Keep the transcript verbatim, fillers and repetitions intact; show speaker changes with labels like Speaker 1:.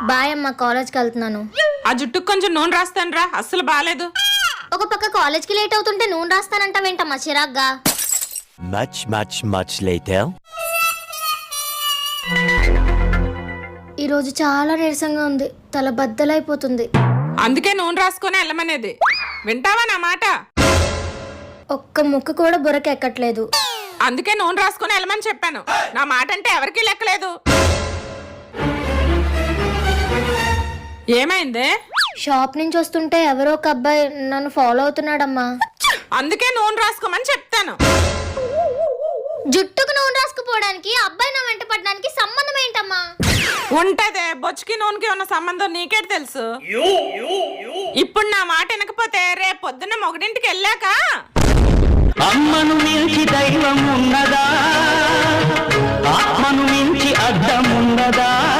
Speaker 1: Bye అమ్మ, కాలేజ్కి వెళ్తున్నాను.
Speaker 2: ఆ జుట్టుకు కొంచెం నూనె రాస్తాను రా, అస్సలు బాలేదు.
Speaker 1: ఒక పక్క కాలేజ్కి లేట్ అవుతుంటే నూనె రాస్తానంటావేంటమ్మా చిరాగ్గా?
Speaker 3: Much, much, much later.
Speaker 1: ఈరోజు చాలా నీరసంగా ఉంది, తల బద్దలైపోతుంది.
Speaker 2: అందుకే నూనె రాసుకొని వెళ్ళమనేది. వింటావా నా మాట?
Speaker 1: ఒక్క ముక్క కూడా బుర్రకెక్కట్లేదు.
Speaker 2: అందుకే నూనె రాసుకొని వెళ్ళమని చెప్పాను. నా మాట అంటే ఎవరికీ లెక్కలేదు. ఏమైంది?
Speaker 1: షాప్ నుంచి వస్తుంటే ఎవరో ఒక అబ్బాయి నన్ను ఫాలో అవుతున్నాడమ్మా.
Speaker 2: అందుకే నూనె రాసుకోమని చెప్తాను.
Speaker 1: జుట్టుకు నూనె రాసుకుపోవడానికి అబ్బాయి నా వెంట పడడానికి సంబంధం ఏంటమ్మా?
Speaker 2: ఉంటదే, బొచ్చుకి నూనెకి ఉన్న సంబంధం నీకే తెలుసు. ఇప్పుడు నా మాట వినకపోతే రేపు పొద్దున్న మొగడింటికి వెళ్ళాక
Speaker 4: అమ్మను మించి దైవం ఉన్నదా, ఆత్మను మించి అర్థం ఉన్నదా?